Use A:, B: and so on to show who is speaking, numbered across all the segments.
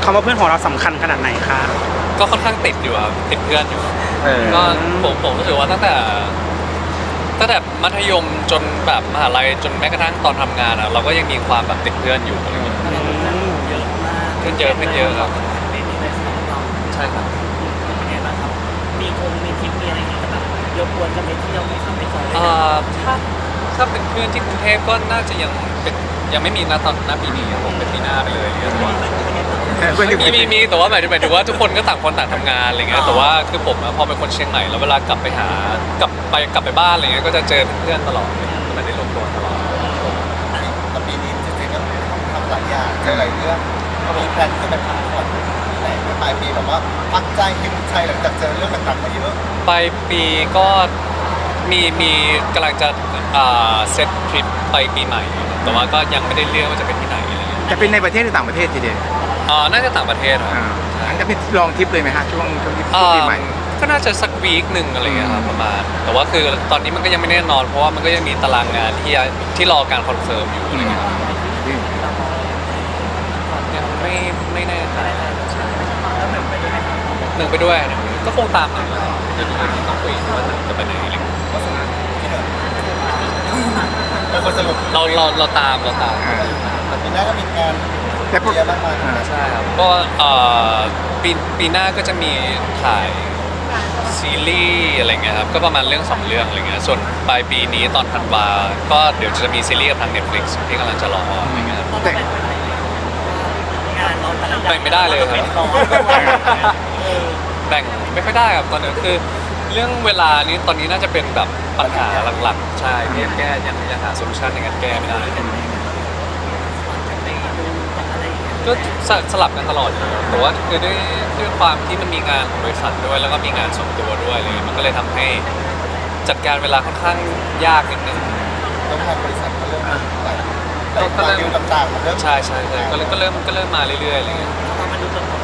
A: คำว่าเพื่อนของเราสำคัญขนาดไหนคะ
B: ก็ค่อนข้างติดอยู่ครับติดเพื่อนอยู่ก็ผมรู้สึกว่าตั้งแต่มัธยมจนแบบมหาลัยจนแม้กระทั่งตอนทำงานเราก็ยังมีความแบบติดเพื่อนอยู่อะไรเงี้ย
C: เยอะมาก
B: เพื่อนเยอะครับ
C: เป็นในสายเรา
B: ใช่ครับ
C: เป็นไงบ้างครับมีทริปมีอะไรอย่างเงี้ยแบบยกวนกันไปเที่ยวไหมครับไปจอยด้วยกัน
B: ถ้าเป็นเพื่อนที่กรุงเทพก็น่าจะยังไม่มีนะตอนหน้าปีนี้ครับผมเป็นปีหน้าไปเลยแต่ว่ามีแต่ว่าหมายถึงว่าทุกคนก็ต่างคนต่างทำงานอะไรเงี้ยแต่ว่าคือผมพอเป็นคนเชียงใหม่แล้วเวลากลับไปบ้านอะไรเงี้ยก็จะเจอเพื่อนตลอดก็ไม่ได้รวมตัวตลอด
D: แต่ปีนี้จริงๆก็ต้องทำหลายอย่างเจอหลายเรื่องมีแพลนจะไปพักผ่อนที่ไหนในปลายปีแบบว่าพักใจหิวใจหลังจากเจอเรื่องต่างๆมาเยอะ
B: ปลายปีก็มีกำลังจะเซตทริปไปปีใหม่แต่ว่าก็ยังไม่ได้เลือกว่าจะเป็นที่ไหนอะไรเงี้ย
E: จะเป็นในประเทศหรือต่างประเทศทีเดียว
B: น่าจะต่างประเทศครับ
E: อันจะเป็นลองทริปเลยไหมฮะช่วงปีใหม่
B: ก็น่าจะสักวีคหนึ่งอะไรเงี้ยครับประมาณแต่ว่าคือตอนนี้มันก็ยังไม่แน่นอนเพราะว่ามันก็ยังมีตารางงานที่รอการคอนเฟิร์มอยู่อะไรเงี้ยครับยังไม่แน่ใจ
C: แล้วแบบไปด้วยไหมครับ
B: หนึ่งไปด้วยก็คงตามหนึ่งแล้วเดี๋ยวต้องคุยว่าหนึ่งจะไปไหนอะไรเงี้ย
D: ก็สนุกที่หนึ่งเป็นคนสรุป
B: เราตาม
D: แต่ปีหน้าก็มีงาน
E: แต่พวก
D: เยอะมากมาย
B: ใช่ครับก็ปีหน้าก็จะมีถ่ายซีรีส์อะไรเงี้ยครับก็ประมาณเรื่อง2 เรื่องอะไรเงี้ยส่วนปลายปีนี้ตอนธันวาก็เดี๋ยวจะมีซีรีส์กับทาง Netflix ที่กำลังจะรออะไรเงี้ย
C: เราแบ่งเวลายังไงงานเราแต่ละอย่าง
B: แบ่งไม่ได้เลยครับ
C: เป็นร้อยด้วย
B: แบ่งไม่ค่อยได้ครับตอนนี้คือเรื่องเวลานี้ตอนนี้น่าจะเป็นแบบปัญหาหลักๆใช่ที่แก้ยังหาโซลูชันในการแก้ไม่ได้
C: ไปดูอะไรอย่างเงี้ย
B: ก็สลับกันตลอดอยู่แต่ว่าคือด้วยความที่มันมีงานของบริษัทด้วยแล้วก็มีงานส่วนตัวด้วยอะไรเงี้ยมันก็เลยทำให้จัดการเวลาค่อนข้างยากนิดนึง
D: ต้องทางบริษัทก็เริ่มหลายดิวต่างๆมันเริ่ม
B: ใช่ก็เริ่มมาเรื่อยๆอะไรเงี้ย
C: พอมันดูตรงกับ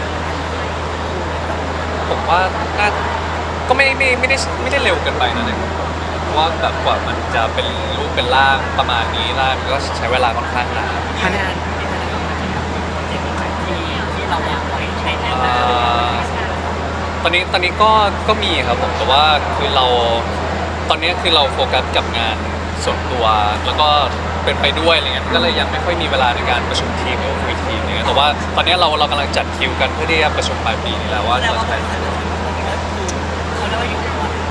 B: ผมว่าน่าก็ไม่ได้เร็วเกินไปนะเนี่ยเพราะว่าแบบกว่ามันจะเป็นรูปเป็นร่างประมาณนี้ได้มันก็ใช้เวลาค่อนข้างนาน
C: งานที่เราอยากไว้ในแนว
B: ตอนนี้ก็มีครับผมแต่ว่าคือตอนนี้คือเราโฟกัสกับงานส่วนตัวแล้วก็เป็นไปด้วยอะไรเงี้ยก็เลยยังไม่ค่อยมีเวลาในการประชุมทีมหรือคุยทีมอะไรเงี้ยแต่ว่าตอนนี้เรากำลังจัดคิวกันเพื่อที่จะประชุมปลายปีนี้แล้วว่า
C: แต่
B: เรา
C: ว่า
B: จะ
C: บ
B: ไป
C: ริษัทเขาเรียกว่าอยู่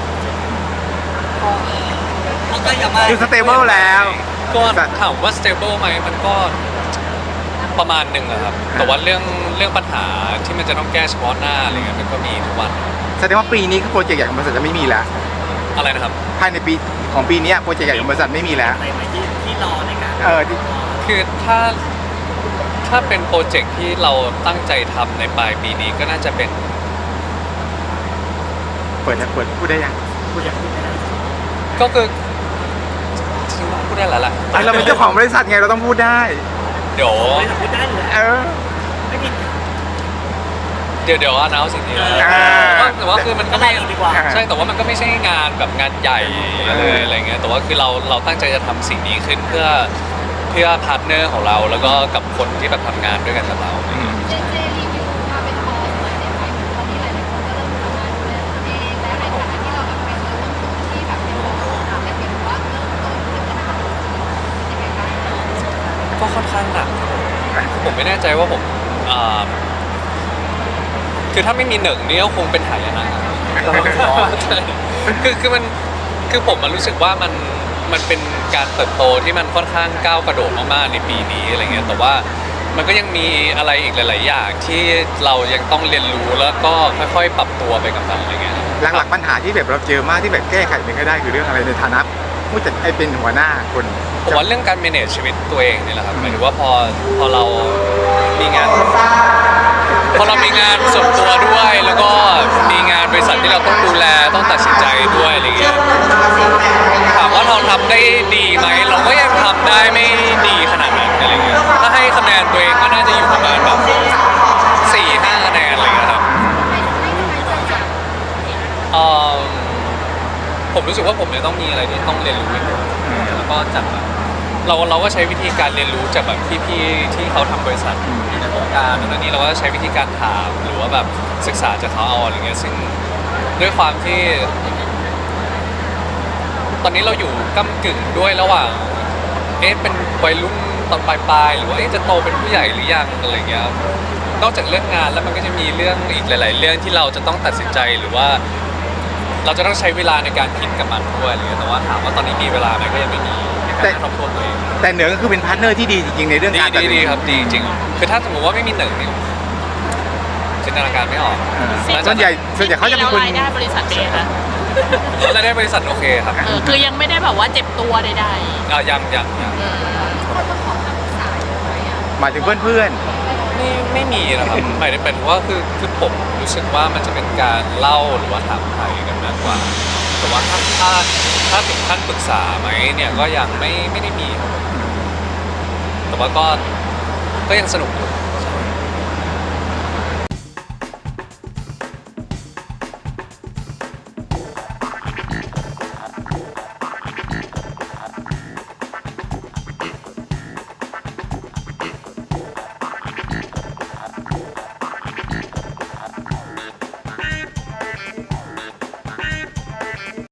C: เขาก็ยังไม่
E: คือสเตเบิลแล้ว
B: ก็ถามว่า stable ไหมมันก็ประมาณหนึ่งอะครับแต่ว่าเรื่องปัญหาที่มันจะต้องแก้เฉพาะหน้าอะไรเงี้ยมันก็มีทุกวัน
E: แสดงว่าปีนี้โปรเจกต์ใหญ่ของบริษัทจะไม่มีแล้ว
B: อะไรนะครับ
E: ภายในปีของปีนี้โปรเจกต์ใหญ่ของบริษัทไม่มีแล้ว
C: อะไรไหมที่รอในการ
E: ที่
B: คือถ้าเป็นโปรเจกต์ที่เราตั้งใจทำในปลายปีนี้ก็น่าจะเป็น
E: เปิดพูดได้ยังพูดยัง
B: ก็คือจริงๆพูดได้แล้วแหละ
E: เราเป็นเจ้าของบริษัทไงเราต้องพูดได้
B: เดี๋ยว
C: ไม่สมมติได้เลย
E: เออ
C: ไม่มี
B: เดี๋ยวอนาวสิ่งนี้
E: อ่า
B: แต่ว่าคือมันก็
C: ก็ได้
B: ไม่
C: เลยดีกว่า
B: ใช่แต่ว่ามันก็ไม่ใช่งานแบบงานใหญ่เลยอะไรเงี้ยแต่ว่าคือเราตั้งใจจะทำสิ่งนี้ขึ้นเพื่อพาร์ทเนอร์ของเราแล้วก็กับคนที่แบบทำงานด้วยกันกับเราอะไรเงี้ย
F: เจรีวิวมาเป็นคอร์สหน่อยได้ไหมตอนนี้หลายๆคนก็เริ่มสามารถดูแลตัวเองและในฐานะที่เราแบบเป็นเริ่มต้นที่แบบเป็นของเราแต่เป็นว่าเริ่มต้นที่จะทำยังไงบ้าง
B: ก็ค่อนข้างหนักผมไม่แน่ใจว่าผมคือถ้าไม่มีหนึ่งนี่ก็คงเป็นหายนะใช่คือผมมันรู้สึกว่ามันเป็นการเติบโตที่มันค่อนข้างก้าวกระโดดมากๆในปีนี้อะไรเงี้ยแต่ว่ามันก็ยังมีอะไรอีกหลาย ๆ อย่างที่เรายังต้องเรียนรู้แล้วก็ค่อยๆ ปรับตัวไปกับมันอะไรเงี้ย
E: หลักๆปัญหาที่แบบเราเจอมากที่แบบแก้ไขไม่ค่อยได้คือเรื่องอะไรในฐานะผู้จัดเป็นหัวหน้าคน
B: ผมว่าเรื่องการ manage ชีวิตตัวเองนี่แหละครับหมายถึงว่าพอเรามีงานส่วนตัวด้วยแล้วก็มีงานบริษัทที่เราต้องดูแลต้องตัดสินใจด้วยอะไรเงี้ยถามว่าเราทำได้ดีไหมเราก็ยังทำได้ไม่ดีขนาดนั้นอะไรเงี้ยถ้าให้คะแนนตัวเองก็น่าจะอยู่ประมาณแบบ4-5 คะแนนอะไรเงี้ยครับผมรู้สึกว่าผมเนี่ยต้องมีอะไรที่ต้องเรียนรู้อีกแล้วก็จากแบบเราก็ใช้วิธีการเรียนรู้จากแบบพี่ๆที่เขาทำบริษัทในวงการนั่นนี่เราก็ใช้วิธีการถามหรือว่าแบบศึกษาจากเขาเอาอะไรเงี้ยซึ่งด้วยความที่ ตอนนี้เราอยู่ก้ำกึ่งด้วยระหว่างเป็นวัยรุ่นตอนปลายๆหรือว่าจะโตเป็นผู้ใหญ่หรือยังอะไรเงี้ยนอกจากเรื่องงานแล้วมันก็จะมีเรื่องอีกหลาย ๆ เรื่องที่เราจะต้องตัดสินใจหรือว่า เราจะต้องใช้เวลาในการคิดกับมันด้วยอะไรเงี้ยแต่ว่าถามว่าตอนนี้มีเวลาไหมก็ยังไม่มีในการทบทวนตัวเอง
E: แต่เหนือก็คือเป็นพาร์ทเนอร์ที่ดีจริงๆในเรื่องการตัดสิน
B: ดีครับดีจริงๆคือถ้าสมมติว่าไม่มีหนึ่งนี่จินตนาการไม่ออก
E: ส่วนใหญ่เขาจะเป็นคน
G: รายได้บริษัทเป็นไงคะ
B: รายได้บริษัทโอเคครับ
G: คือยังไม่ได้แบบว่าเจ็บตัวใด
B: ยัง
F: คนมาขอคำปรึกษาเยอะไหมอ่ะ
E: หมายถึงเพื่อน
B: ไม่มีนะครับหมายถึงว่าคือผมรู้สึกว่ามันจะเป็นการเล่าหรือว่าถามไทยกันมากกว่าแต่ว่าถ้าถึงขั้นปรึกษาไหมเนี่ยก็ยังไม่ได้มีครับแต่ว่าก็ยังสนุกอยู่